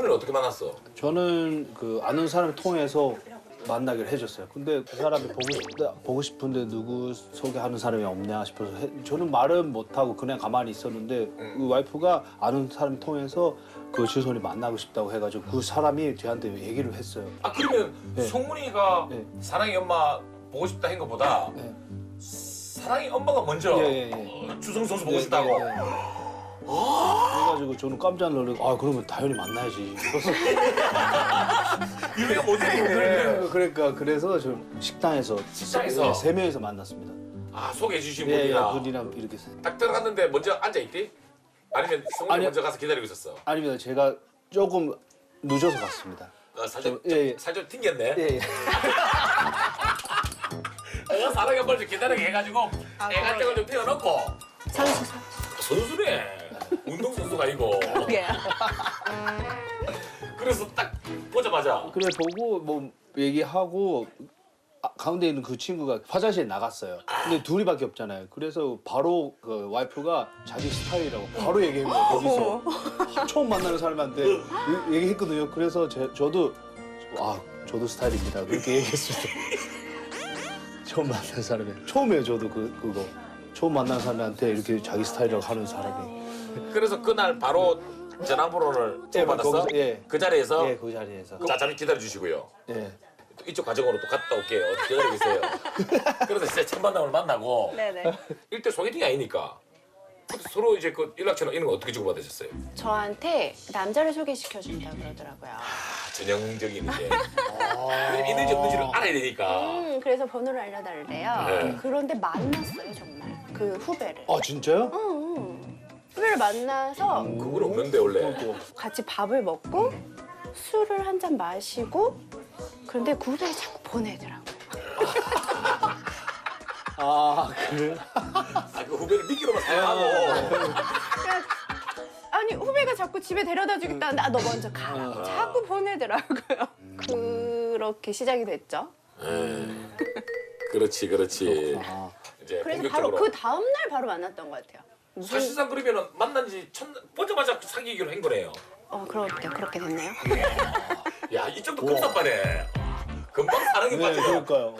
승훈이는 어떻게 만났어? 저는 그 아는 사람을 통해서 만나기로 해줬어요. 근데 그 사람이 보고 싶은데 누구 소개하는 사람이 없냐 싶어서 저는 말은 못하고 그냥 가만히 있었는데 그 와이프가 아는 사람 통해서 그 주선이 만나고 싶다고 해가지고 그 사람이 저한테 얘기를 했어요. 아 그러면 네. 승훈이가 네. 사랑이 엄마 보고 싶다 한 것보다 네. 사랑이 엄마가 먼저 주성 선수 보고 싶다고. 그래가지고 저는 깜짝 놀라고 아 그러면 당연히 만나야지. 이해가 못했네. 그러니까 그래서 저 식당에서 식당에서? 세 명이서 만났습니다. 아 소개해 주신 예, 분이랑 분이랑 이렇게 딱 들어갔는데 먼저 앉아 있디? 아니면 승훈이 아니요. 먼저 가서 기다리고 있었어? 아닙니다. 제가 조금 늦어서 갔습니다. 살좀 예. 살좀 튕겼네. 예. 내가 사랑이 엄마를 좀 기다리게 해가지고 애간장을 좀 태워놓고 선수네. 운동선수가 아니고. 그게요. 그래서 딱 보자마자 그래 보고 뭐 얘기하고 가운데 있는 그 친구가 화장실에 나갔어요. 근데 둘이밖에 없잖아요. 그래서 바로 그 와이프가 자기 스타일이라고 바로 얘기한 거예요. 거기서 처음 만나는 사람한테 얘기했거든요. 그래서 저도 저도 스타일입니다. 그렇게 얘기했습니다. 처음 만난 사람이 처음이에요. 저도 그거 처음 만난 사람한테 이렇게 자기 스타일이라고 하는 사람이. 그래서 그날 바로 전화번호를 예, 받았어? 거기서, 예. 그 자리에서? 예, 그 자리에서. 자, 잠시 기다려 주시고요. 예. 이쪽 과정으로 또 갔다 올게요. 기다리고 계세요. 그래서 진짜 첫 만남을 만나고 네네. 일대 소개팅이 아니니까 서로 이제 그 연락처나 이런 거 어떻게 주고받으셨어요? 저한테 남자를 소개시켜준다 그러더라고요. 전형적인 이제 왜냐면 있는지 없는지를 알아야 되니까. 그래서 번호를 알려달래요. 네. 그런데 만났어요 정말 그 후배를. 아 진짜요? 후배를 만나서 그건 없는데 원래. 같이 밥을 먹고 술을 한 잔 마시고 그런데 그 후배를 자꾸 보내더라고요. 아 그래? 그 후배를 미끼로만 사용하고. 아니 후배가 자꾸 집에 데려다 주겠다는데 너 먼저 가라고 자꾸 보내더라고요. 그렇게 시작이 됐죠. 그렇지. 아. 이제 그래서 바로 본격적으로. 그 다음 날 바로 만났던 것 같아요. 사실상 그러면은 만난 지 보자마자 사귀기로 한 거네요. 그렇게 됐네요. 야, 이쪽도 급사빠네. 금방 사랑에 네, 빠져. 그러니까요.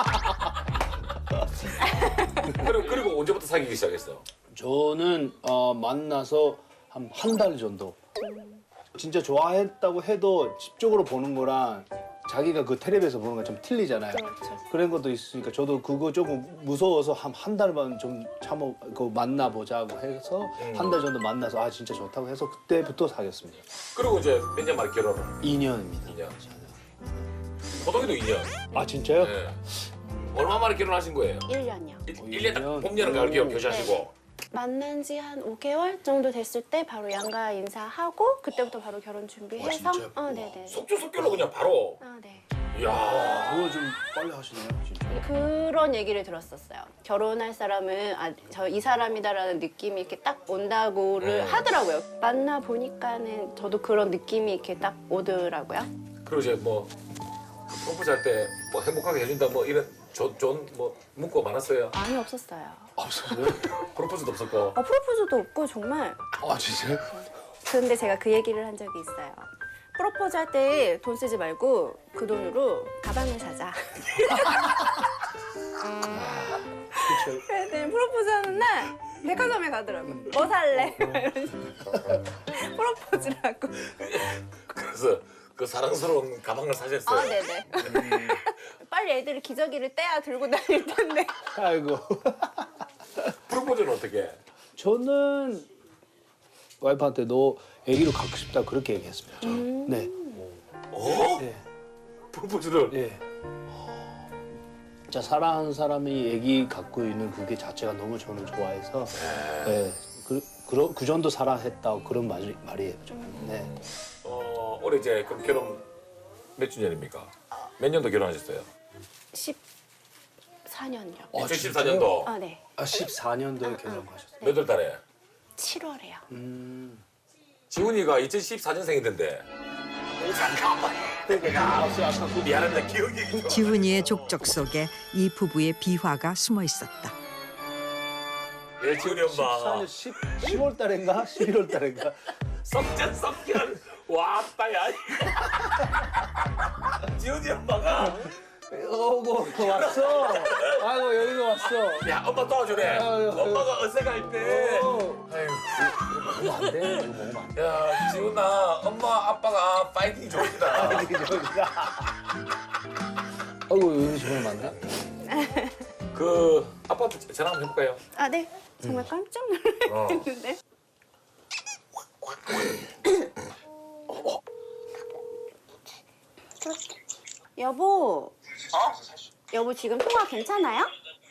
그리고 언제부터 사귀기 시작했어? 저는 만나서 한 달 정도. 진짜 좋아했다고 해도 집적으로 보는 거랑 자기가 그 텔레비에서 보는 거 좀 틀리잖아요. 그렇죠. 그런 것도 있으니까 저도 그거 조금 무서워서 한 달만 좀 참고 만나보자고 해서 한 달 정도 만나서 아 진짜 좋다고 해서 그때부터 사귀었습니다. 그리고 이제 몇 년 만에 결혼을? 2년입니다. 2년. 호동이도 2년. 아 진짜요? 네. 얼마 만에 결혼하신 거예요? 1년이요. 1년 딱 봄, 여름, 가을, 겨울 교시하시고. 만난 지 한 5개월 정도 됐을 때 바로 양가 인사하고 그때부터 바로 결혼 준비해서 진짜요? 네네. 속주속결로 그냥 바로. 네. 이야. 그거 좀 빨리 하시네요, 진짜. 그런 얘기를 들었었어요. 결혼할 사람은 저 이 사람이다라는 느낌이 이렇게 딱 온다고를 하더라고요. 만나 보니까는 저도 그런 느낌이 이렇게 딱 오더라고요. 그리고 이제 뭐 프로포즈 할 때 뭐 행복하게 해준다 뭐 이런 좋은 뭐 문구가 많았어요. 많이 없었어요. 없어요? 프로포즈도 없었고. 프로포즈도 없고 정말. 아 진짜요? 근데 제가 그 얘기를 한 적이 있어요. 프로포즈 할 때 돈 쓰지 말고 그 돈으로 가방을 사자. 그렇죠. 그랬더니 프로포즈 하는 날 백화점에 가더라고. 뭐 살래? 이런 식으로. 프로포즈라고. 그래서 그 사랑스러운 가방을 사셨어요. 네네. 빨리 애들이 기저귀를 떼야 들고 다닐 텐데. 아이고. 프로포즈는 어떻게 해? 저는 와이프한테 너 아기로 갖고 싶다 그렇게 얘기했습니다. 저는. 네. 어? 네. 프로포즈를? 예. 진짜 사랑하는 사람이 아기 갖고 있는 그게 자체가 너무 저는 좋아해서 네. 그 정도 사랑했다 그런 말이에요. 저는. 네. 올해 이제 그럼 결혼 몇 주년입니까? 몇 년도 결혼하셨어요? 14년이요. 2014년도 네. 14년도에 결혼하셨어요. 몇 월 달에? 7월에요. 지훈이가 2014년생이던데. 미안합니다. 기억이 좀. 지훈이의 족적 속에 이 부부의 비화가 숨어 있었다. 예, 지훈이 엄마. 14년 10월 달인가 11월 달인가 썩전 썩결. 왔다 야. 지훈이 엄마가 어고 왔어. 아이고 여기가 왔어. 야 엄마 도와주래. 엄마가 어색할 때. 아유. 이거 안 돼. 이거 먹으면 안 돼. 야 지훈아 엄마 아빠가 파이팅 좋습니다. 아이고 여기 저러면 안 돼? 그 아빠한테 전화 한번 해볼까요? 아, 네. 정말 깜짝 놀랐는데. 여보. 여보 지금 통화 괜찮아요?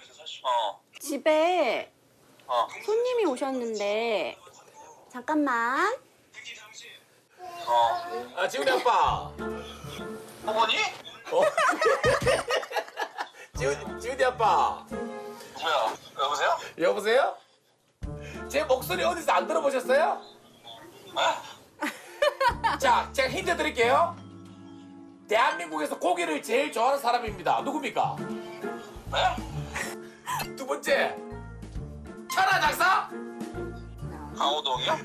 집에 손님이 오셨는데 잠깐만. 아 지훈이 아빠. 어머니? 지훈이 아빠. 뭐야? 여보세요? 여보세요? 제 목소리 어디서 안 들어보셨어요? 자, 제가 힌트 드릴게요. 대한민국에서 고기를 제일 좋아하는 사람입니다. 누굽니까? 네? 두 번째, 천하 장사? 강호동이요?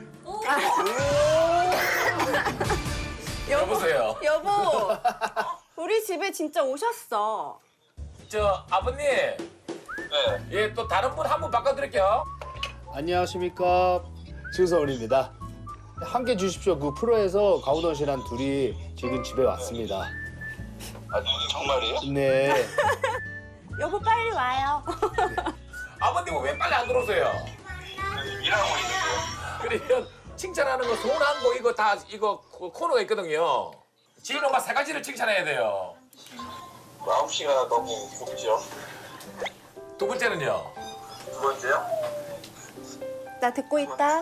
여보세요. 여보. 우리 집에 진짜 오셨어. 저 아버님, 네. 예, 또 다른 분 한 분 바꿔드릴게요. 안녕하십니까 증서원입니다. 함께 주십시오. 그 프로에서 강호동 씨랑 둘이 지금 집에 왔습니다. 아, 정말이에요? 네. 여보 빨리 와요. 아버님은 왜 빨리 안 들어오세요? 일하고 있는데요. 그러면 칭찬하는 거, 소원한 거 이거 다 이거 코너가 있거든요. 지훈 엄마 세 가지를 칭찬해야 돼요. 마음씨가 너무 곱죠. 두 번째는요. 두 번째요? 나 듣고 있다.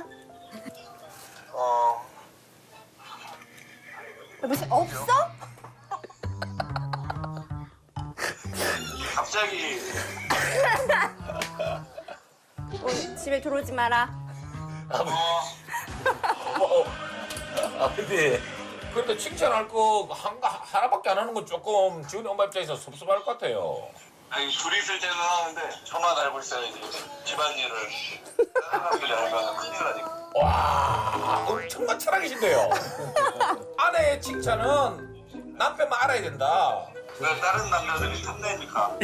여보 없어? 갑자기 집에 들어오지 마라. 아버님, 그래도 칭찬할 거 하나밖에 안 하는 건 조금 지훈이 엄마 입장에서 섭섭할 것 같아요. 아니 둘이 있을 때는 하는데 저만 알고 있어야지 집안일을 사람들이 알면 큰일 나니까. 와, 엄청난 철학이신데요. 아내의 칭찬은 남편만 알아야 된다. 왜 다른 남자들이 탐내니까.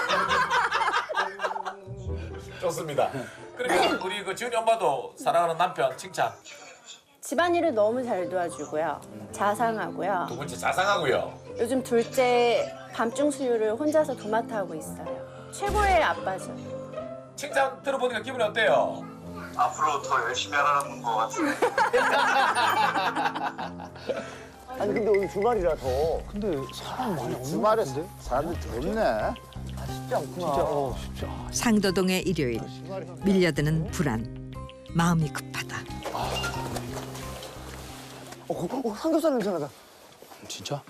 좋습니다. 그러면 우리 그 지훈이 엄마도 사랑하는 남편 칭찬. 집안일을 너무 잘 도와주고요. 자상하고요. 두 번째 자상하고요. 요즘 둘째 밤중 수유를 혼자서 도맡아 하고 있어요. 최고의 아빠죠. 칭찬 들어보니까 기분이 어때요? 앞으로 더 열심히 하라는 것 같은데. 아니 근데 오늘 주말이라서 근데 사람 많이 없는 주말에 것 같은데? 사람들이 더 있네. 쉽지 않구나. 진짜 쉽지 않아. 상도동의 일요일 밀려드는 불안 마음이 급하다. 삼겹살 냄새 나다. 진짜?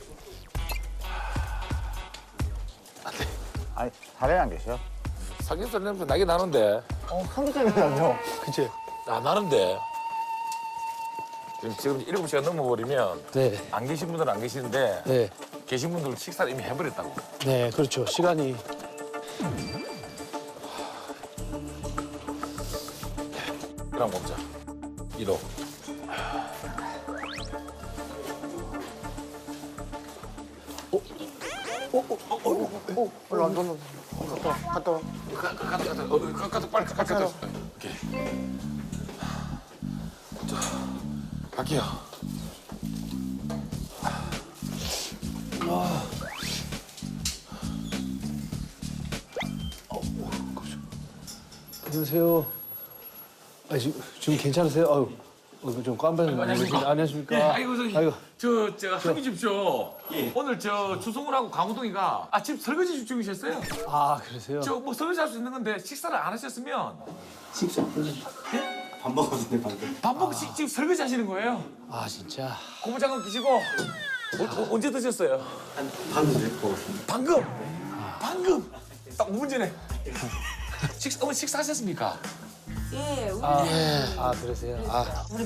아니 다른 안 계셔? 삼겹살 냄새 나긴 나는데. 삼겹살 냄새 나죠? 그치? 아, 나는데. 지금 7시가 넘어버리면 네. 안 계신 분들은 안 계시는데 네. 계신 분들은 식사를 이미 해버렸다고. 네, 그렇죠. 시간이. 그럼 먹자. 1호. 올라 갔다 와. 갔다 빨리 갔다. 오케이. 자, 갈게요. 안녕하세요. 아, 지금 괜찮으세요? 아유, 좀 깜빡이 안녕하십니까. 안녕하십니까? 예, 아이고 저기 아이고. 저 한기 집쇼. 오늘 저 주승훈하고 강호동이가 집 설거지 중이셨어요. 아, 그러세요? 저 뭐 설거지 할 수 있는 건데 식사를 안 하셨으면 밥 먹었는데 방금. 밥 먹고 지금 설거지 하시는 거예요. 아, 진짜. 고무장갑 끼시고 언제 드셨어요? 한 방금 전에 먹었습니다. 방금 딱 5분 전에. 어머니 식사하셨습니까? 아, 그러세요? 아,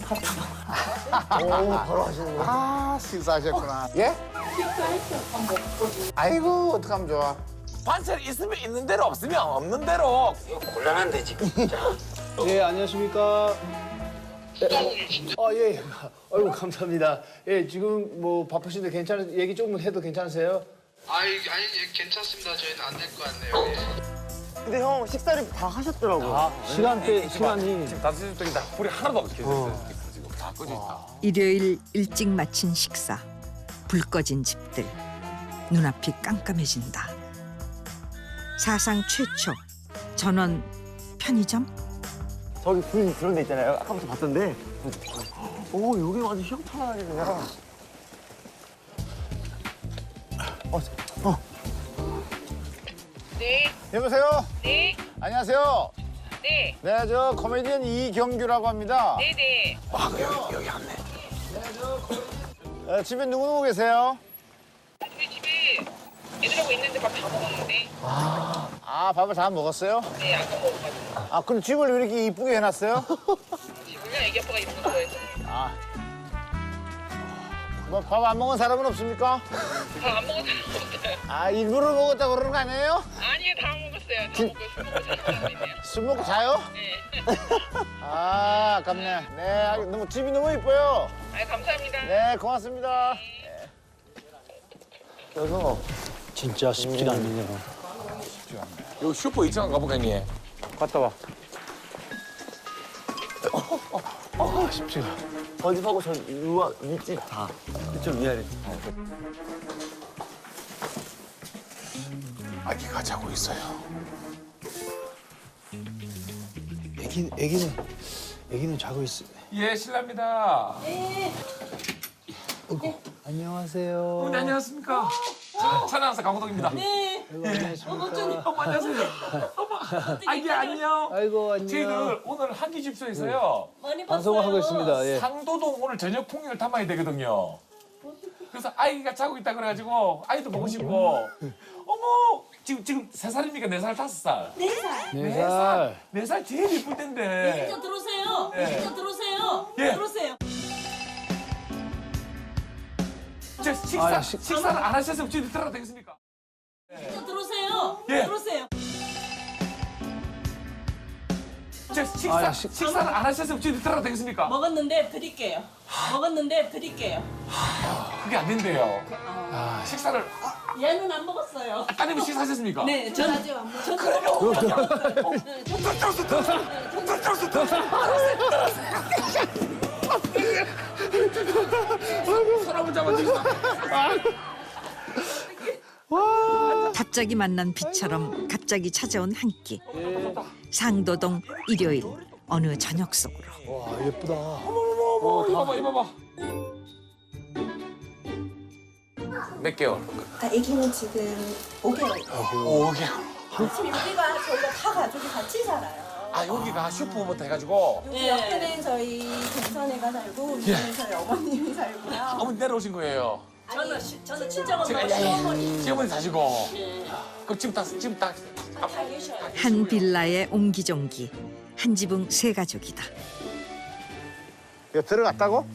바로 하시는 거야? 아 식사하셨구나. 예? 식사했죠. 아이고 어떡하면 좋아. 반찬 있으면 있는 대로 없으면 없는 대로. 곤란한데 지금 진짜. 네, 안녕하십니까? 예. 아이고 감사합니다. 예, 지금 뭐 바쁘신데 괜찮은 얘기 조금 해도 괜찮으세요? 아니 괜찮습니다. 저희는 안 될 것 같네요. 예. 근데 형 식사를 다 하셨더라고요. 아, 시간이 지금 5시 쪽이다. 불이 하나도 안 켜졌어요. 지금 다 꺼져 있다. 일요일 일찍 마친 식사. 불 꺼진 집들. 눈앞이 깜깜해진다. 사상 최초 전원 편의점? 저기 불 그런 데 있잖아요. 아까부터 봤던데. 오 여기 완전 희한하게 그냥. 네, 여보세요? 네, 안녕하세요. 네, 네, 저 코미디언 이경규라고 합니다. 네, 네. 여기 왔네. 집에 누구 계세요? 우리 집에 애들하고 있는데 밥 다 먹었는데. 아, 밥을 다 먹었어요? 네, 아까 먹어가지고. 아, 그럼 집을 왜 이렇게 이쁘게 해놨어요? 집을요? 애기 아빠가 입는 거 좋아해서. 뭐 밥 안 먹은 사람은 없습니까? 다 안 먹은 사람 없어요. 아, 일부러 먹었다고 그러는 거 아니에요? 아니요, 다 먹었어요. 다 먹고 술 먹고 자는 사람이네요. 술 먹고 자요? 네. 아, 아깝네. 네, 너무 집이 너무 이뻐요. 아, 감사합니다. 네, 고맙습니다. 그래서 진짜 쉽지가 않네요. 여기 슈퍼 2층 가볼까 형님? 갔다 와. 저희 집하고 저 윗집 다. 이쪽 위아래. 아기가 자고 있어요. 애기는 자고 있어. 예, 실례합니다. 안녕하세요. 어머니 안녕하십니까? 천안사 강호동입니다. 네. 안녕하십니까. 어머 안녕하세요. 어머 아기 안녕. 아이고 안녕. 저희들 오늘 한기 집소에서요. 방송을 하고 있습니다. 예. 상도동 오늘 저녁 풍경을 탐방이 되거든요. 그래서 아이가 자고 있다 그래가지고 아이도 보고 싶고. 어머 지금 3살입니까? 4살, 5살? 4살. 4살. 4살 제일 이쁠 텐데. 진짜 들어오세요. 네. 진짜 들어오세요. 예. 들어오세요. 저 식사를 안 하셨으면 저희 들어가도 되겠습니까? 진짜 들어오세요. 예. 들어오세요. 저 식사를 안 하셨으면 저희 들어가도 되겠습니까? 먹었는데 드릴게요. 먹었는데 드릴게요. 그게 안 된대요. 식사를 얘는 안 먹었어요. 따님이 식사하셨습니까? 네, 전 아직 안 먹었어요. 그러면 사람을 잡아주시다. 갑자기 만난 비처럼 갑자기 찾아온 한 끼. 상도동 일요일 어느 저녁 속으로. 와 예쁘다. 이봐봐 이봐봐. 몇 개월? 아기는 지금 5개월. 5개월. 지금 여기가 저희가 다 가족이 같이 살아요. 아 여기가 슈퍼부터 해가지고 여기 옆에는 저희 동선애가 살고 위에는 저희 어머님이 살고요. 어머니 내려오신 거예요. 저는 친정 엄마 제가 시어머니. 시어머니 사시고. 그럼 지금 딱 한 빌라의 옹기종기. 한 지붕 세 가족이다. 이거 들어갔다고?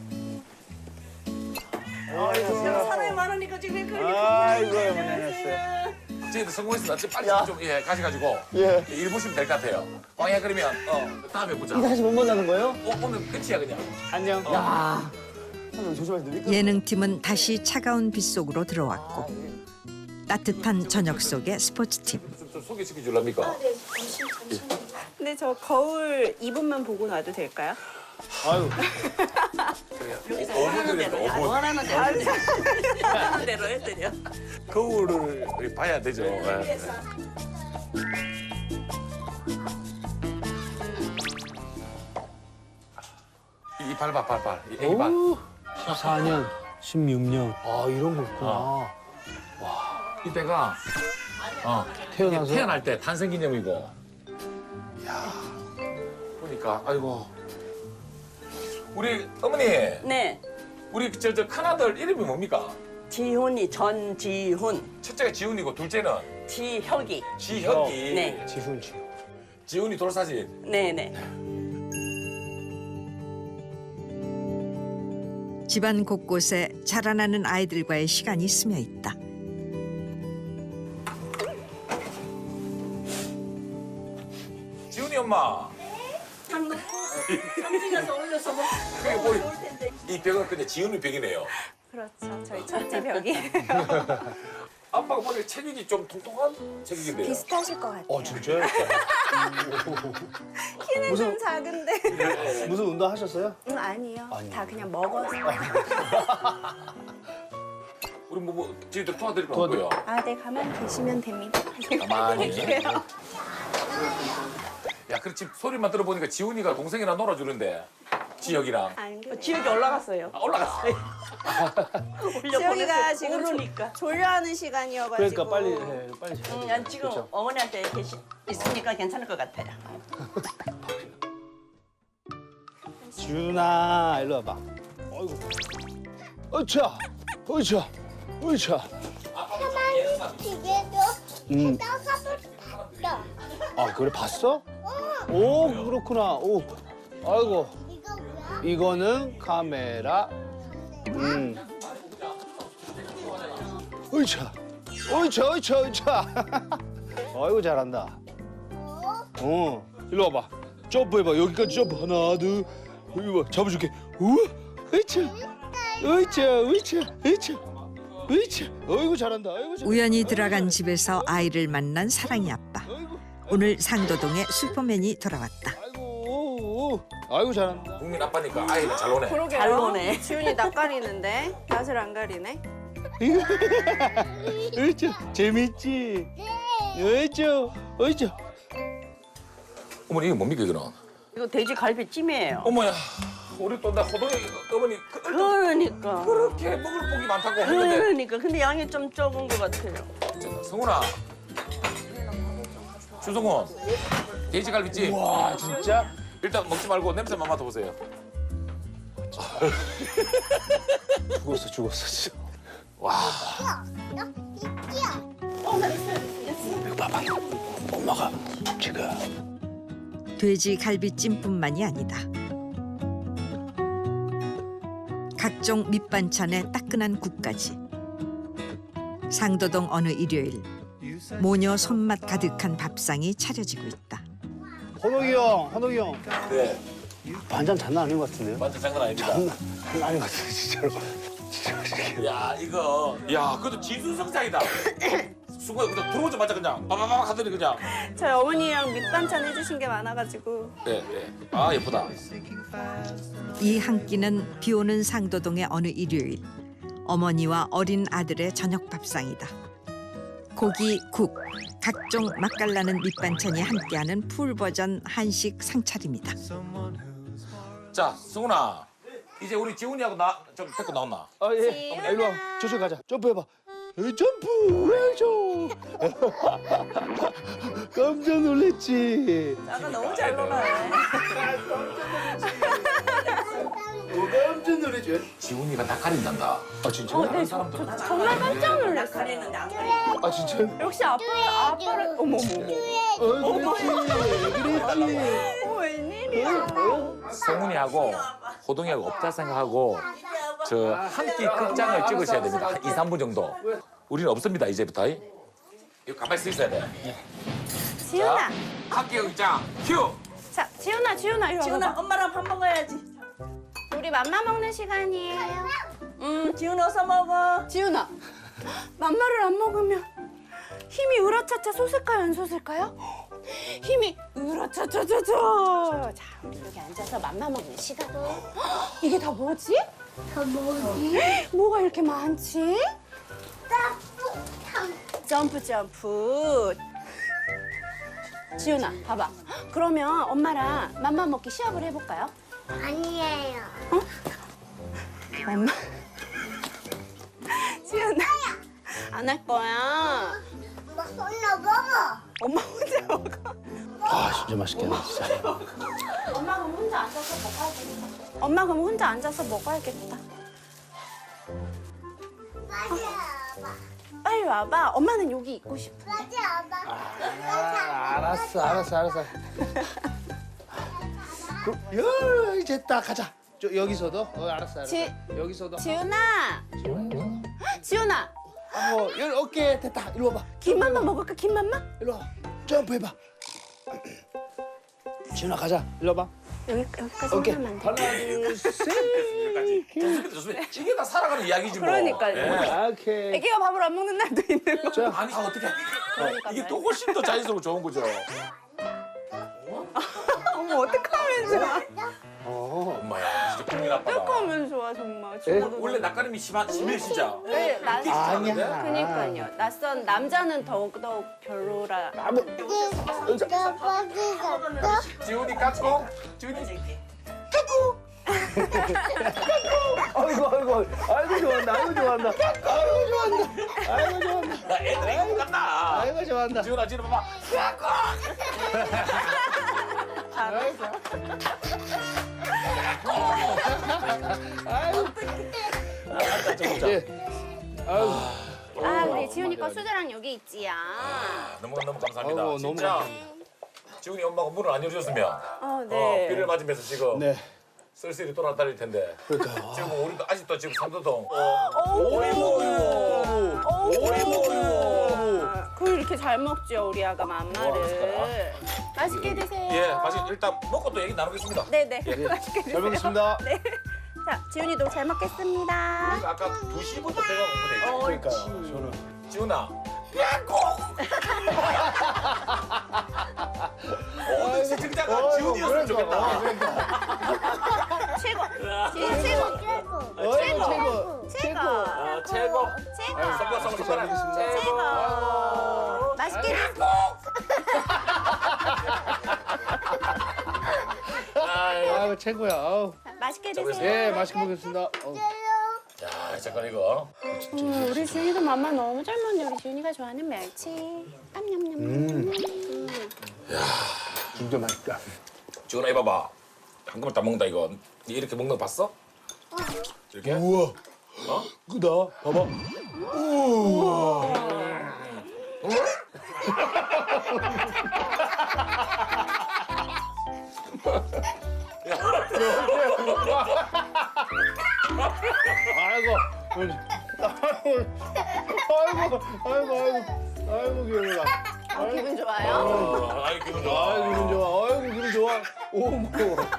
사람이 많으니까 지금 그렇게 아이고, 어머니 안녕하세요. 저희도 성공했습니다. 지금 빨리 좀 가셔가지고 예. 일 보시면 될 것 같아요. 왕이야 그러면 다음에 보자. 이거 다시 못 만나는 거예요? 오늘 끝이야 그냥. 안녕. 야. 형 조심하세요. 예능팀은 다시 차가운 빗속으로 들어왔고 따뜻한 저녁 속의 스포츠팀. 좀 소개시켜 줄랍니까? 근데 저 거울 2분만 보고 놔도 될까요? 아유. 5분 드렸어 5분. 원하는 대로 해드려. 원하는 대로 해드려. 거울을 봐야 되죠. 예. 이 발. 이 애기 발. 14년, 16년. 아 이런 거 있구나. 이때가 태어나서. 태어날 때 탄생기념이고. 야 보니까 아이고 우리 어머니 네, 우리 저 큰아들 이름이 뭡니까? 지훈이 전지훈, 첫째가 지훈이고 둘째는 지혁이. 지혁이. 네. 지훈. 지훈이 돌사진. 네네. 집안 곳곳에 자라나는 아이들과의 시간이 스며 있다. 지훈이 엄마. 장 넣고, 삼지가 올려서 뭐 그게 우리 이 벽은 근데 지은이 벽이네요. 그렇죠. 저희 첫째 벽이에요. 아빠가 보니까 체격이 좀 통통한 체격인데요. 비슷하실 것 같아요. 진짜요? 키는 좀 작은데. 무슨 운동 하셨어요? 아니요. 다 그냥 먹어서. 우리 뭐 저희들 도와드릴 거 없고요. 아, 네, 가만히 계시면 됩니다. 가만히. 야, 그렇지 소리만 들어보니까 지훈이가 동생이랑 놀아주는데 지혁이랑. 지역이 올라갔어요. 올라갔어. 지혁이가 지금 모르니까. 졸려하는 시간이어가지고. 그러니까 빨리 빨리 자야 난 지금 어머니한테 있으니까 괜찮을 것 같아요. 지훈아 일로 와봐. 어이구. 어차. 어차. 어차. 아 그래 봤어? 오 그렇구나. 오. 아이고. 이거는 카메라. 어이차. 어이차 어이차 어이차. 아이고 잘한다. 일로 와봐. 점프해봐. 여기까지 점프. 하나 둘. 여기 봐. 잡아줄게. 우와. 어이차. 어이차 어이차 어이차. 어이차. 어이구 잘한다. 아이고 잘한다. 우연히 들어간 집에서 아이를 만난 사랑이 아빠. 오늘 상도동에 슈퍼맨이 돌아왔다. 아이고 잘한다. 국민 아빠니까 아이가 잘 노네. 그러게요. 잘 노네. 지훈이 낯 가리는데 낯을 안 가리네. 어이차. 재밌지? 어이차. 어이차. 어머니 이거 뭡니까 이거는? 이거 돼지 갈비찜이에요. 어머야, 우리 또 나 호동이 어머니 그러니까. 그렇게 먹을 복이 많다고 했는데. 그러니까. 근데 양이 좀 적은 것 같아요. 성훈아, 주성훈, 돼지갈비찜. 와 진짜? 일단 먹지 말고 냄새만 맡아보세요. 죽었어 진짜. 와. 이거 봐봐. 엄마가 지금. 돼지 갈비찜뿐만이 아니다. 각종 밑반찬에 따끈한 국까지. 상도동 어느 일요일 모녀 손맛 가득한 밥상이 차려지고 있다. 헌옥이 형. 네. 반찬 장난 아닌 것 같은데요? 완전 장난 아닙니다. 장난 아닌 것 같아요 진짜로. 진짜. 야 이거, 야 그것도 지수성장이다. 수고해, 그냥 들어오자마자 그냥 빠바박 하더니 그냥. 저희 어머니랑 밑반찬 해주신 게 많아가지고. 네, 네. 아 예쁘다. 이 한 끼는 비오는 상도동의 어느 일요일 어머니와 어린 아들의 저녁 밥상이다. 고기, 국, 각종 맛깔나는 밑반찬이 함께하는 풀버전 한식 상차림이다. 자, 승훈아, 이제 우리 지훈이하고 나 좀 데리고 나왔나? 아 예. 어머니, 일로 와. 저쪽 가자. 점프해봐. 점프. 깜짝 놀랐지. 아가 너무 잘 놀아요. 깜짝 놀랐지. 지훈이가 다 가린단다. 아 진짜요? 다른 사람들은 정말 깜짝 놀랐어요. 가리는데 안 가리. 아 진짜요? 역시 아빠를 어머머. 그랬지. 웬일이야. 성훈이하고 호동이하고 없다 생각하고 저 한 끼 극장을 찍으셔야 됩니다. 한 2, 3분 정도. 우리는 없습니다, 이제부터. 이거 가만히 서 있어야 돼. 지훈아. 한 끼 극장 큐! 자, 지훈아 이리 와봐. 지훈아 엄마랑 밥 먹어야지. 우리 맘마 먹는 시간이에요. 지훈 어서 먹어. 지훈아, 맘마를 안 먹으면 힘이 으라차차 솟을까요, 안 솟을까요? 힘이 으라차차차차. 자, 우리 여기 앉아서 맘마 먹는 시간. 이게 다 뭐지? 뭐가 이렇게 많지? 점프. 지훈아, 봐봐. 그러면 엄마랑 맘마 먹기 시합을 해볼까요? 아니에요. 엄마. 지훈아, 안 할 거야. 혼자 먹어. 엄마 혼자 먹어. 아 진짜 맛있겠네 진짜. 엄마 그럼 혼자 앉아서 먹어야겠다. 엄마 그럼 혼자 앉아서 먹어야겠다. 빨리 와봐. 빨리 와봐. 엄마는 여기 있고 싶어. 빨리 와봐. 알았어. 이제 딱 가자. 여기서도? 알았어. 여기서도. 지훈아. 지훈아. 여기 어깨 됐다. 이리 와봐. 김맘마 먹을까? 김맘마? 이리 와. 점프해봐. 지훈아 가자. 이리 와봐. 여기까지 오케이. 하면 안 하나, 돼요? 둘, 셋. 좋습니다, 좋습니다. 이게 다 살아가는 이야기지 뭐. 그러니까요. 예. 오케이. 애기가 밥을 안 먹는 날도 있는 거. 자, 아니 어떻게? 이게 또 훨씬 더 자연스럽고 좋은 거죠. 어머 어떡하면 좋아. 엄마야, 진짜 국민 아빠다. 어떡하면 좋아 정말. 원래 낯가림이 심해 진짜. 네, 아니야. 그니까요. 낯선 남자는 더욱더욱 별로라. 지훈이 까꿍. 지훈이. 아이고 좋아한다. 아이고 좋아한다. 애들이 이거 같나? 아이고 좋아한다. 지훈아, 지훈아 봐봐. 예. 아이고. 아 우리 지훈이 거 수저랑 여기 있지야. 너무 감사합니다. 아이고, 너무 진짜 감사합니다. 지훈이 엄마가 문을 안 열어줬으면 네. 비를 맞으면서 지금 네. 쓸쓸히 돌아다닐 텐데. 그러니까요. 지금 우리도 아직도 지금 삼도동. 그걸 이렇게 잘 먹죠 우리 아가 맘마를. 맛있게 드세요. 예, 맛있게 일단 먹고 또 얘기 나누겠습니다. 네네. 맛있게 드세요. 잘 먹겠습니다. 네. 자 지훈이도 잘 먹겠습니다. 우리가 아까 2시부터 배가 고프네. 그러니까요. 저는 지훈아. 모든 시청자가 지훈이었으면 좋겠다. 최고. 지훈 최고. 최고. 최고. 선물 잘 먹겠습니다. 최고. 맛있게 드세요. 아이고 최고야. 아우. 맛있게 드세요. 예, 맛있게 먹겠습니다. 야, 잠깐 이거. 우리 지훈이도 맘마 너무 잘 먹네. 우리 지훈이가 좋아하는 멸치. 냠냠냠. 진짜 맛있다. 지훈아 해봐봐. 한꺼번에 다 먹는다 이거. 니 이렇게 먹는 거 봤어? 이렇게? 우와. 어? 크다. 봐봐. 우와. 아이고. 아이고 귀여워라. 기분 좋아요? 아이 기분 좋아. 아이고 기분 좋아. 아이고 기분 좋아. 오모.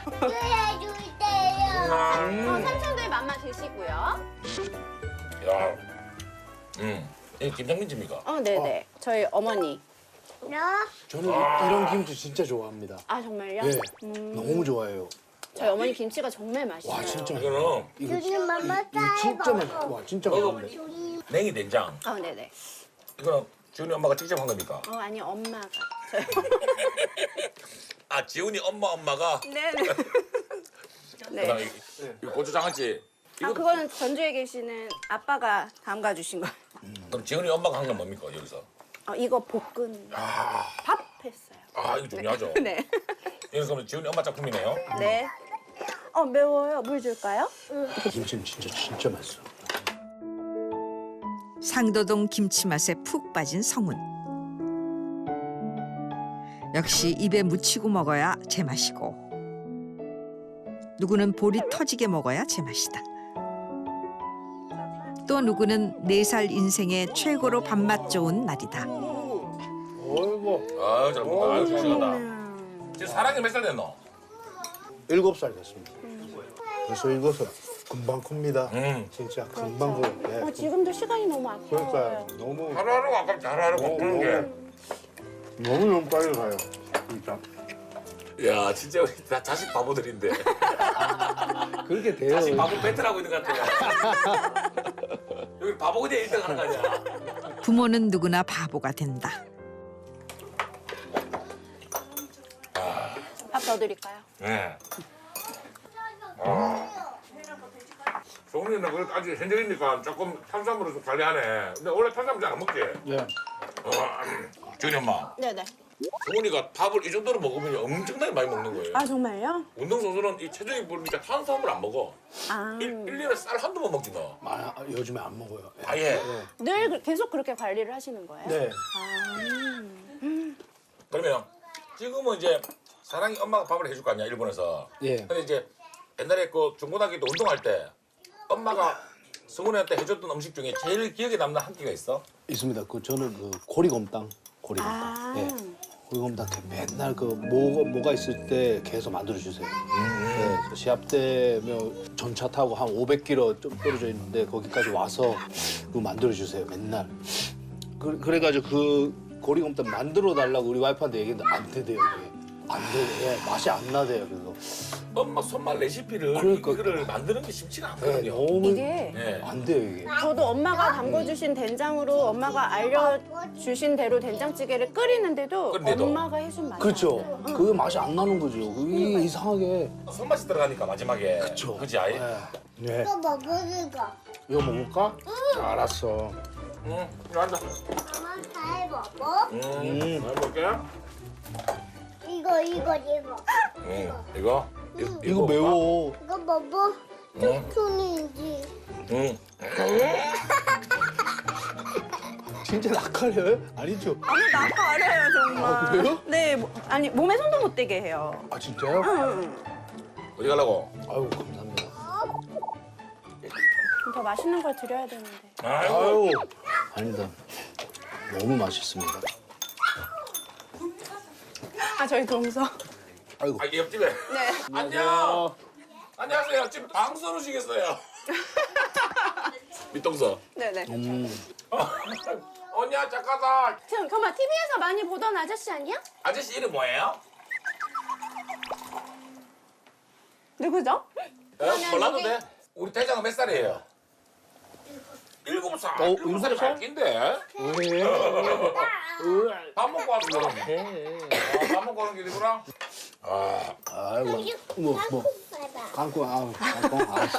삼촌들 맘마 드시고요. 야, 이게 김장민 집입니까? 네네. 저희 어머니. 저는 이런 김치 진짜 좋아합니다. 아 정말요? 네. 너무 좋아해요. 저희 어머니 김치가 정말 맛있어요. 와 진짜. 이거는 이거 진짜 맛있어. 와 진짜 맛있는데. 냉이 된장. 네네. 이거는 지훈이 엄마가 직접 한 겁니까? 아니 엄마가. 아, 지훈이 엄마가. 네네. 그다음에 이 고추장아찌. 이거 그거는 전주에 계시는 아빠가 담가 주신 거예요. 그럼 지훈이 엄마가 한 건 뭡니까 여기서? 이거 볶은 밥 했어요. 아, 이거 중요하죠. 네. 이거 그러면 지훈이 엄마 작품이네요. 네. 매워요. 물 줄까요? 김치는 진짜 맛있어. 상도동 김치 맛에 푹 빠진 성훈. 역시 입에 묻히고 먹어야 제맛이고 누구는 볼이 터지게 먹어야 제맛이다. 또 누구는 4살 인생의 최고로 밥맛 좋은 날이다. 어이구. 아유, 잘 먹다. 아유, 싱싱하다. 지금 사랑이 몇 살 됐노? 7살 됐습니다. 벌써 이것은 금방 큽니다. 진짜 금방 커요. 네. 지금도 시간이 너무 아까워요. 그러니까 너무 하루하루가 아깝지, 하루하루가 푸는 게. 너무 빨리 가요. 진짜. 야, 진짜 우리 다 자식 바보들인데. 그렇게 돼요. 자식 바보 배틀하고 있는 것 같아요. 여기 바보 그냥 1등 하는 거 아니야? 부모는 누구나 바보가 된다. 밥 더 드릴까요? 네. 소은이는 그래도 아직 현정이니까 조금 탄수화물을 좀 관리하네. 근데 원래 탄수화물 잘 안 먹지? 네. 지훈이 엄마. 네네. 소은이가 밥을 이 정도로 먹으면 엄청나게 많이 먹는 거예요. 정말요? 운동선수는 이 체중이 부르니까 탄수화물 안 먹어. 1년에 쌀 한두 번 먹지 너. 요즘에 안 먹어요. 아예. 늘 계속 그렇게 관리를 하시는 거예요? 네. 그러면 지금은 이제 사랑이 엄마가 밥을 해줄 거 아니야 일본에서. 예. 근데 이제 옛날에 그 중고등학교 때 운동할 때 엄마가 승훈이한테 해줬던 음식 중에 제일 기억에 남는 한 끼가 있어? 있습니다. 저는 고리곰탕. 고리곰탕. 예. 고리곰탕 맨날 그 뭐가 있을 때 계속 만들어 주세요. 네, 시합 때면 전차 타고 한 500km 좀 떨어져 있는데 거기까지 와서 그거 만들어 주세요. 맨날. 그래가지고 그 고리곰탕 만들어 달라고 우리 와이프한테 얘기했는데 안 되대요. 그게. 안 돼. 예, 맛이 안 나대요. 그래서. 엄마 손맛 레시피를 그러니까. 이거를 만드는 게 쉽지가 네, 않거든요. 너무 이게 네. 안 돼요 이게. 저도 엄마가 담궈주신 된장으로 엄마가 알려주신 대로 된장찌개를 끓이는데도 끓는데도. 엄마가 해준 맛이 그렇죠. 안 나요. 그게 맛이 안 나는 거죠. 그게 이상하게. 손맛이 들어가니까 마지막에. 그쵸. 그지 아이? 네. 이거 먹으니까. 이거 먹을까? 알았어. 응. 이거 앉아. 엄마 잘 먹어. 잘 먹게. 이거. 이거? 이거 매워. 이거 먹어. 툭툭인지. 응. 진짜 낯가려요? 아니죠? 아니 나 가려요 정말. 아, 그래요? 네, 아니 몸에 손도 못 대게 해요. 아 진짜요? 어디 가려고? 아유 감사합니다. 더 맛있는 걸 드려야 되는데. 아유 아니다. 너무 맛있습니다. 아 저희 동서. 아이고. 아, 이게 옆집에. 네. 안녕. 안녕하세요. 지금 방송 오시겠어요? 밑동서. 네네. 언니야 작가다. 지금 정말 TV에서 많이 보던 아저씨 아니야? 아저씨 이름 뭐예요? 누구죠? 몰라도 돼. 우리 대장은 몇 살이에요? 7살. 7살이 밝긴데. 밥 먹고 왔어. 밥 먹고 오는 길이구나. 아이고. 뭐. 깡꿍 알았어.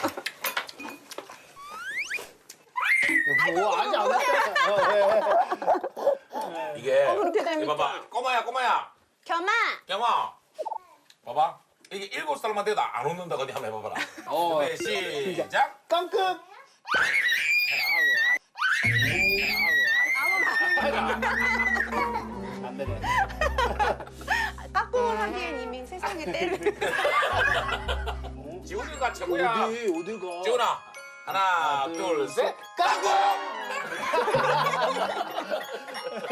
뭐 아직 안 왔잖아. 이게 그렇게 됩니까? 이거 봐봐. 꼬마야. 겸아. 경아. 봐봐. 이게 7살만 돼도 안 웃는다. 어디 한번 해봐봐라. 네, 시작. 깡꿍. 안 되네. 까꿍을 하기엔 이미 세상에 때를. 지훈이가 최고야. 어디가? 지훈아. 하나, 둘, 셋. 까꿍!